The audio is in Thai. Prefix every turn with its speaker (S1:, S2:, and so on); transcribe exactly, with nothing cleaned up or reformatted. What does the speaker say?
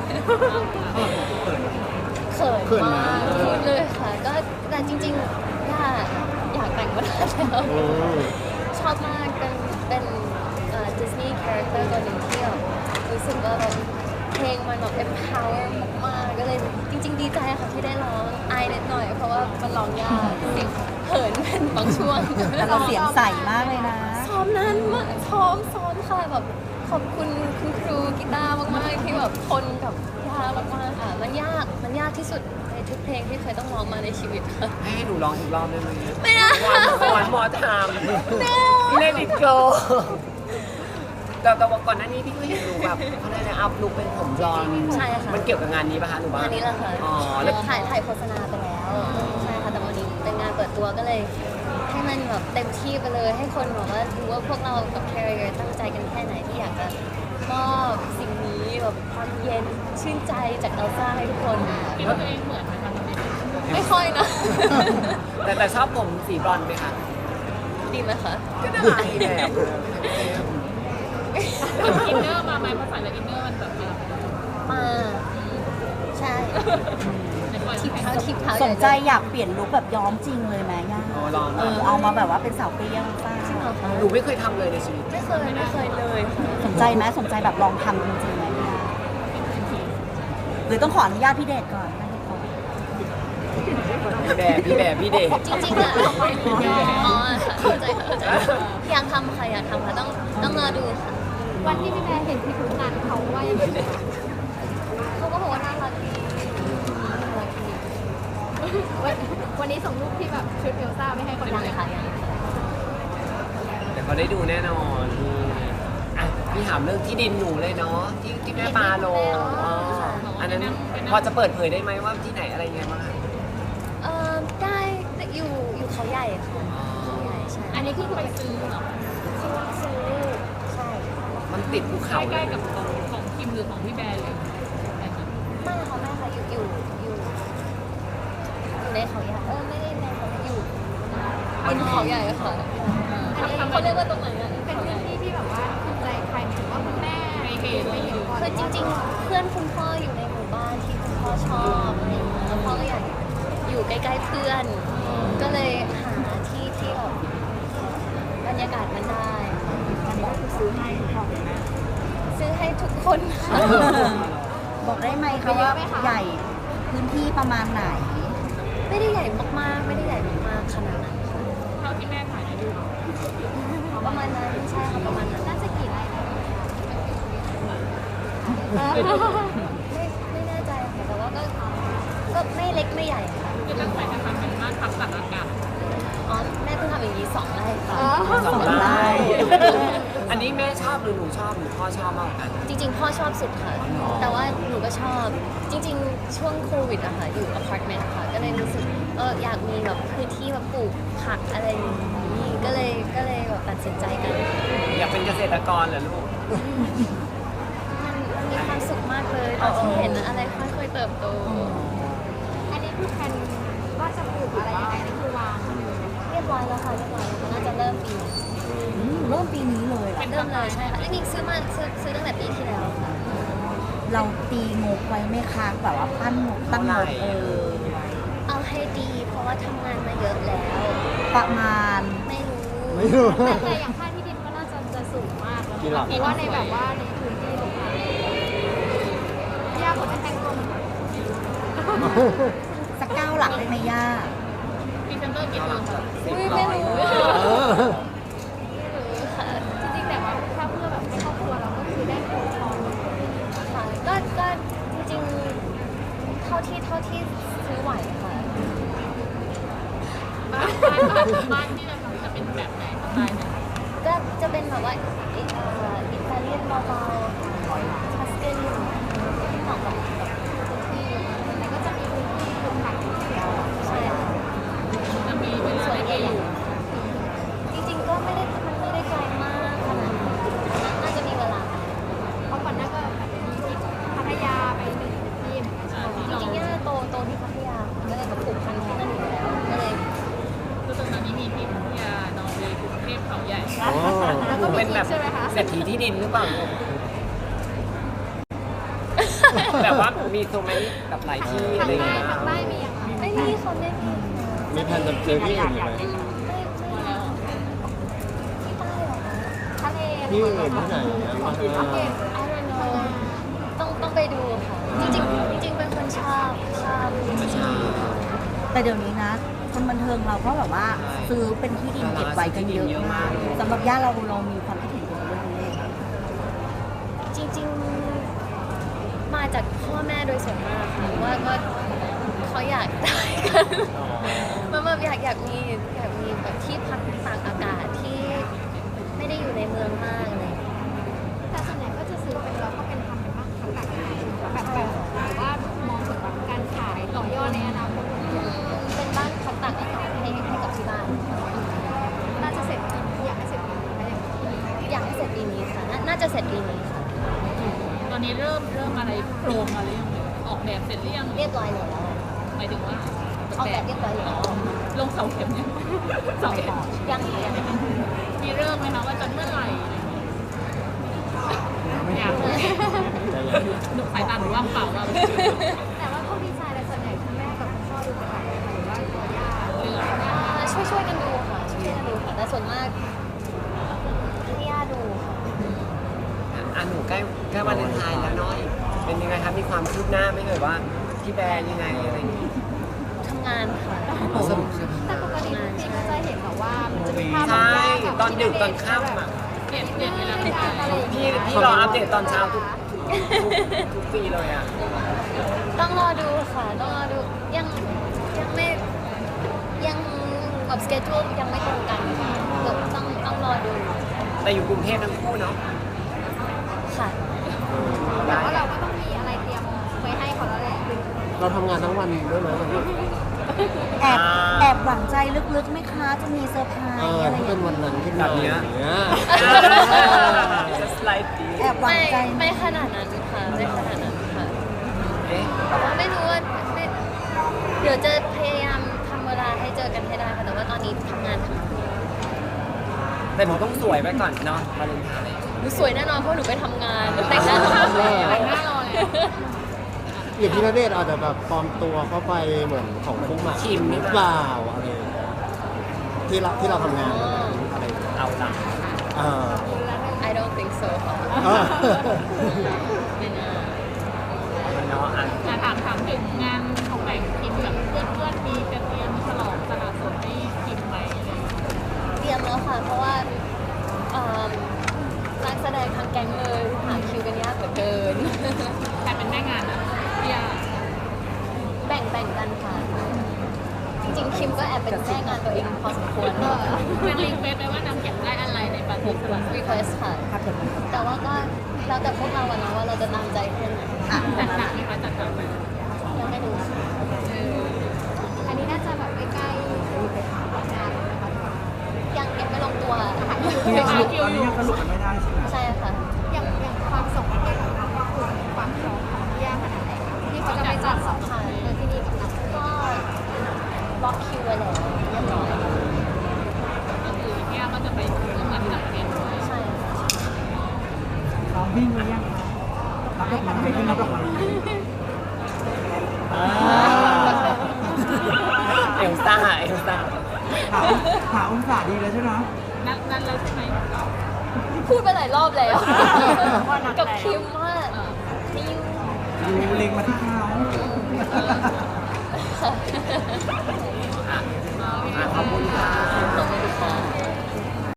S1: เขินมากพูดเลยค่ะก็แต่จริงๆย่าอยากแต่งมานานแล้วชอบมากเป็นเป็นดิสนีย์คาแรคเตอร์ตัวหนึ่งที่แบบรู้สึกว่าแบบเพลงมันแบบ empower มากๆก็เลยจริงๆดีใจค่ะที่ได้ร้องอายนิดหน่อยเพราะว่ามันร้องยากเสียงเขินเป็นบางช่วง
S2: แต่เราเสียงใสมากเลยนะ
S1: ซ้อมนานมากซ้อมซ้อมค่ะแบบขอบคุณคุณครูกีตาร์มากๆที่แบบทนกับยามากๆค่ะมันยากมันยากที่สุดในทุกเพลงที่เคยต้องร้องมาในชีวิตค่ะ
S3: ให้หนูร้องอีกรอบได้ไหม
S1: ไม่ได้
S3: วันมอทามเล่นอีกโกแต่แต่ว่าก่อนหน้านี้พี่ก็เห็นหนูแบบเขาเรียกอะไรอัพลุคเป็นผมบลอนด์
S1: ใช่ค่ะ
S3: มันเกี่ยวกับงานนี้ป่ะคะหนูบ้าง
S1: านนี้แหละค่ะ
S3: อ๋อแล้ว
S1: ถ่ายถ่ายโฆษณาไปแล้วใช่ค่ะแต่วันนี้เป็นงานเปิดตัวก็เลย ให้มันแบบเต็มที่ไปเลยให้คนแบบว่ารู้ว่าพวกเรากับ Carrier ตั้งใจกันแค่ไหนที่อยากจะมอบสิ่งนี้แบบความเย็นชื่นใจจากเอลซ่าให้ทุกคน
S4: คิดว่าตัวเองเหมือนไหมคะตอนนี้
S1: ไม่ค่อยนะ
S3: แต่แต่ชอบผมสีบลอนด์ไหมคะ
S1: ดีไหมคะ
S3: ก็ได้แบบ
S4: อินเนอร์มาไหมภาษาจากอินเนอร์มันแบบมา
S1: มาใช่
S4: ในความ
S1: ทิ
S4: ที่
S1: ป
S4: แพ
S1: เท้าทิปเท้า
S2: สนใจอยากเปลี่ยนลุคแบบย้อมจริงเลยไหมย่า
S3: อ๋อลอง
S2: เออเอามาแบบว่าเป็นสาวเปรี้ยวป้า
S1: จริงเหรอคะ
S3: หนูไม่เคยทำเลยในชีวิต
S1: ไม่เคยไม่เคยเลยค่ะ
S2: สนใจไหมสนใจแบบลองทำจริงๆไหมย่าหรือต้องขออนุญาตพี่เดชก่อนไม่ให้ขอ
S3: พี่แบบพี่แบบพี่เดช
S1: จริงๆอะอ๋อค่ะเข้าใจค่ะเข้าใจอยากทำค่ะอยากทำค่ะต้องต้องรอดูค่ะ
S4: วันที่พี่แม่เห็นพี่ทุกงานเขาว่ายังไง
S1: เขาก็บอกว่าน่ารักดีน่ารักดี
S4: วันวันนี้ส่งรูปที่แบบชุดเอลซ่าไม่ให้คน
S1: ยัง
S4: ดู
S1: ค่ะยังค่ะ
S3: แต่เขาได้ดูแน่นอนอ่ะพี่ถามเรื่องที่ดินหนูเลยเนาะที่ที่แม่ปลาโลอ๋ออันนั้นพอจะเปิดเผยได้ไหมว่าที่ไหนอะไรยังไงบ้างคะ
S1: เอ่อได้แต่อยู่อยู่เขาใหญ่ค่ะเขาใหญ่ใช่
S4: อันนี้คือไปซื้อเหรอ
S1: ซื้อซื้อใช่
S3: มันติดภูเขา
S4: ใกล้ๆกับของของคิมหรือของพี่แบร์เลยแบบนี้
S1: ไม่ค่ะไม่ค่ะอยู่อยู่อยู่อยู่ในเขาใหญ่เออไม่ได้ในเขาอยู่บนเขาใหญ่ค่ะอันนี้เขาเรียกว่าตรงไหนอะ
S4: เป็นพื้นที่ที่แบบว่าถูกใจใครหมายถึงว่าคุณแม่ไม่เห็นไม่เห็นก่อน
S1: คือจริงๆ เพื่อนคุณพ่ออยู่ในหมู่บ้านที่คุณพ่อชอบอะไรอย่างเงี้ยแล้วพ่อก็อยากอยู่ใกล้ๆเพื่อน ก็เลยหาที่ที่แบบบรรยากาศมันได้อันนี้ก็คือซื้อให้พ่อแม่ซื้อให้ทุกคนค่ะ
S2: บอกได้ไหมคะว่าใหญ่พื้นที่ประมาณไหน
S1: ไม่ได้ใหญ่มากๆ ไม่ได้ใหญ่มากๆขนาดนั้นค่ะ
S4: เท่าที่แม่ถ่ายในรูป
S1: ประมาณนั้นใช่ค่ะประมาณนั้นน่าจะกี่ไร่นะไม่ไม่แน่ใจค่ะแต่ว่าก็ก็ไม่เล็กไม่ใหญ่ค่ะ
S4: คือตั้งใจจะทำเป็นบ้านพักตากอากาศ
S1: อ๋อแม่เพิ่งทำอย่างนี้สองไร่ค่ะ
S3: สอง
S2: ไร่
S3: ไร่อันนี้แม่ชอบหรือหนูชอบหรือพ่อชอบมากกว่ากัน
S1: จริงๆ พ่อชอบสุดค่ะ แต่ว่าหนูก็ชอบ จริงๆ ช่วงโควิดอะค่ะ อยู่อพาร์ตเมนต์ค่ะ ก็เลยรู้สึกเอออยากมีแบบพื้นที่แบบปลูกผักอะไรอย่างนี้ ก็เลย ก็เลยแบบตัดสินใจกัน
S3: อยากเป็นเกษตรกรเหรอลูก
S1: มันมันมีความสุขมากเลยตอนที่เห็นอะไรค่อยๆเติบโต
S4: อันนี้คือแผนว่าจะปลูกอะไรยังไงนี่คือวาง
S1: เรียบร้อยแล้วค่ะ เรียบร้อยแล้วน่าจะเริ่มปีนี้
S2: อืมเริ่มปีนี้เลยเหรอ
S1: เริ่มเลยใช่ค่ะจริงๆซื้อมาซื้อซื้อตั้งแต่ปีที่แล้วค่ะ
S2: เราตีงบไว้ไหม่ค้างแบบว่าปั้นงบตั้งงบเออ
S1: เอาให้ดี เพราะว่าทำงานมาเยอะแล้ว
S2: ประมาณ
S1: ไม่รู้
S4: แต่อย่างค่าที่ดินก็น่าจะจะสูงมากแล้วเพราะว่าในแบบว่าในพื้นที่ตรงนั้นยากกว่าจะแต่งตัวเหมือน
S2: สักเก้าหลักได้ไหมย่า
S4: พรีเซนเตอร์กี่คนคะ
S1: อุ๊ยไม่รู้ ค่ะ
S4: จริงๆแต่ว่าถ้าเพื่อแบบให้ครอบครัวเราก็คือได้โคชอน
S1: ค่ะก็ก็จริงๆ เท่าที่เท่าที่ซื้อไหวค่ะ
S4: บ้านบ้านบ้านบ้านที่เราทำจะเป็นแบบไหนสไตล์ไหน
S1: ก็จะเป็นแบบว่าอิเอ่ออิตาเลียนเบาๆทัสเกนที่เหมาะกับแบบพื้นที่
S4: แต่ก็จะมีพื้นที่ปลูกผักเดียว
S1: ใช่ค่ะ
S4: จะมีเวลา
S1: สวย
S4: ได้
S1: ให
S4: ไป
S1: ญ่
S4: อยู่
S1: ๆจริงๆ ก็ไม่ได้มันไม่ได้ไกลมากขนาดนั้นน่าจะมีเวลา
S4: เพราะก่อนหน้าก็แบบมีที่พัทยาไปหนึ่งที่เหมือนกัน
S1: จริงๆย่าโตโตที่พัทยาก็เลยแบบปลูกพันธุ์ที่นั่นอยู่แล้วก็เลย
S4: คือตรงนั้นนี้มีที่พัทยานอร์เวย์กรุงเทพเขาใหญ่
S3: แล้วก็เป็นแบบเศรษฐีที่ดินหรือเปล่าลูกแบบว่ามีตรงไหนแบบหลายที่อะ
S4: ทาง
S3: ไร
S4: ใต้
S3: เงี้ย
S4: ทางใต้มีอย่างไร
S1: ไม่มีเขาไม่มี
S5: มีแผนจะเจอที่อื่นอีกไหม
S1: ไม่ไม่ที่ใต้เหรอคะ
S4: ทะเล
S5: ที่อื่นที่ไหนนะมาเออ
S1: I don't know ต้องต้องไปดูค่ะ จริงๆจริงๆเป็นคนชอบชอบธรรมชาติ
S2: แต่เดี๋ยวนี้นะคนบันเทิงเราก็แบบว่าซื้อเป็นที่ดินเก็บไว้กันเยอะมากสำหรับย่าเราเรามีความคิดเห็นเกี่ยวกับเรื่องนี้
S1: จริงๆ มาจากพ่อแม่โดยส่วนมากค่ะว่าว่าเขาอยากได้กันมันแบบอยากอยากมีอยากมีแบบที่พักตากอากาศที่ไม่ได้อยู่ในเมืองมากอะไรอย่างเงี้ย
S4: แต่ส่วนใหญ่ก็จะซื้อเป็นเราก็เป็นทำเป็นบ้างทำแบบไหนแบบแบบหรือว่ามองถึงแบบการขายต่อยอดในอนาคต
S1: อืมเป็นบ้านพักตากอากาศให้ให้กับที่บ้าน
S4: น่าจะเสร็จอยากให้เสร็จปีนี้ไหมอย่าง
S1: อยากให้เสร็จปีนี้ค่ะน่าน่าจะเสร็จปีนี้ค่ะ
S6: ตอนนี้เริ่มเริ่มอะไรโครงอะไรยังออกแบบเสร็จหรือยัง
S1: เรียบร้อยแล้ว
S6: หมายถึงว่า
S1: ออกแบบเรียบร้อยแล้ว
S6: ลงเสาเข็มยังเสาเข็ม
S1: ยังยัง
S6: มีเริ่มไหมคะว่าจะเมื่อไหร่อะไรอย่างเงี้ยอยากหนูสายตาหนูว่างเปล่าเรา
S4: แต่ว่าพวกดีไซน์อะไรส่วนใหญ่คุณแม่กับคุณพ่อดูเป็นหลักหรือว่าตัวย่า
S6: เลือก
S1: อ่าช่วยช่วยกันดูค่ะช่วยช่วยกันดูค่ะแต่ส่วนมากให้ย่าดูค่ะ
S3: อ่ะหนูใกล้ใกล้วาเลนไทน์แล้วเนาะเป็นยังไงคะมีความคืบหน้าไหม่เอ่ยว่าพี่แบร์ยังไงอะไรอย่างงี้
S1: ทำงานค่ะ
S3: สรุปใช่ไหม
S4: แต่ปกติทุกปีก็จะเห็นแบบว่ามันจะมีภาพ
S3: ใช่ตอนดึกตอนค่ำอ่ะ
S6: เปลี่ยนเปลี่ยนเวลา
S4: ติ
S6: ติ
S4: ด
S6: ด
S4: ตา
S6: ตาม ม
S4: อะไรอย่าง
S3: พี่
S4: เงี้ย
S3: พี่รออัปเดตตอนเช้าทุกทุกทุกปีเลยอ่ะ
S1: ต้องรอดูค่ะ ต้องรอดูยังยังไม่ยังแบบสเกจ u ยังไม่ตรงกันค่ะเดี๋ยวต้องต้องรอดู
S3: แต่อยู่กรุงเทพทั้งคู่เนาะ
S1: ค่ะ
S4: แต่ว่าเราก็ต้องมีอะไรเตรียมไว้ให้เขาแล้วแหละ
S5: เราทำงานทั้งวันด้วยไหมวันนี้
S2: แอบแอบหวังใจลึกๆไหมคะจะมีเซอร์ไพร
S5: เอ
S2: ส์
S5: อ
S2: อะไร
S5: ถ้า
S2: อ
S5: เป็
S2: ย่าน ง
S5: วัน
S2: เงี้ย
S5: นั้นขึ้นมาอย่างเงี้ย
S3: just like this
S2: แอบหวัง
S1: ไม่
S2: ใจ
S1: ไม่ขนาดนั้นค่ะไม่ขนาดนั้นค่ะ
S3: เอ๊ะ
S1: แต่ว่าไม่รู้ว่าไม่เดี๋ยวจะพยายามทำเวลาให้เจอกันให้ได้ค่ะแต่ว่าตอนนี้ทำงานทำงาน
S3: แต่หนูต้องสวยไว้ก่อนเนาะวาเลนไทน์
S1: หนูสวยแน่นอนเพราะหนูไปทำงานแต่งหน้าทำงาน
S6: แต่งหน้ารอเลย
S5: อย่างที่ณเดชน์อาจจะแบบปลอมตัวเข้าไปเหมือนของพุ่งหมาก
S3: คิม
S5: ห
S3: นี่
S5: รือ
S3: ปะ
S5: เปล่าอะไรอย่างเงี้ยที่เราที่เราทำงานวันนั้นอะไรอย่างเงี้ย
S3: เอาละ
S5: เออ
S1: I don't think so ค่ะ
S5: เออ
S1: ไม่น่า
S3: มันเนาะอ่ะ
S6: อ่ะถามถามถึงงานของแต่งคิมกับเพื่อนเพื่อนๆมีจะเตรียมฉลองสละโสดให้คิมไหมอะไรอย่างเงี้ย
S1: เตรียมแล้วค่ะ เพราะว่าเอิ่มนักแสดงทางแก๊งเลยหาคิวกันยากเหลือเกิน
S6: ใครเป็นแม่งานอ่ะพี่ยา
S1: แบ่งแบ่งกันค่ะ จริงๆ คิมก็แอบเป็นแม่งานตัวเองพอสมควร
S6: นางรีเควสต์ไปว่านางอยากได้อะไรในปาร์ตี้สละโสด
S1: request ค่ะ
S2: ครับผม
S1: แต่ว่าก็แล้วแต่พวกเราอะนะว่าเราจะตามใจแค่ไหน
S2: อ่ะ
S6: จัดหนักไหมคะจัดหนักไหม
S1: ยังไม่รู้
S4: อันนี้น่าจะแบบใกล้ๆงานเลยนะคะ
S1: ยังยังไม่ลงตัว
S6: ยังหาคิวอยู่
S1: ใช่ค่ะ
S4: อย่างอย่างความสมเหตุของเราคือความพร้อมของย่าขนาดไหนคะที่เขาจะไปจัดสองพันเออที่นี่กับเรา
S1: ก็บล็อกคิวไว้แล้วเรียบร้อย
S6: ก็คือพี่ยาก็จะไปร่วมงานที่ต่างประเทศด้วย
S1: ใช่ค่ะ
S7: ซ้อมวิ่งหรือยังคะรับดอกไม้ไปขึ้นรับดอกไม้
S3: เอลซ่าเอลซ่า
S7: หาหาองศาดีแล้วใช่ไหม
S6: นัดนัดแล้วใช่ไหม
S1: พูดไปหลายรอบแล้ว กับคิมว่า
S6: เออ
S1: นิว
S7: ดูเล็งมาที่เขา
S1: ค่ะ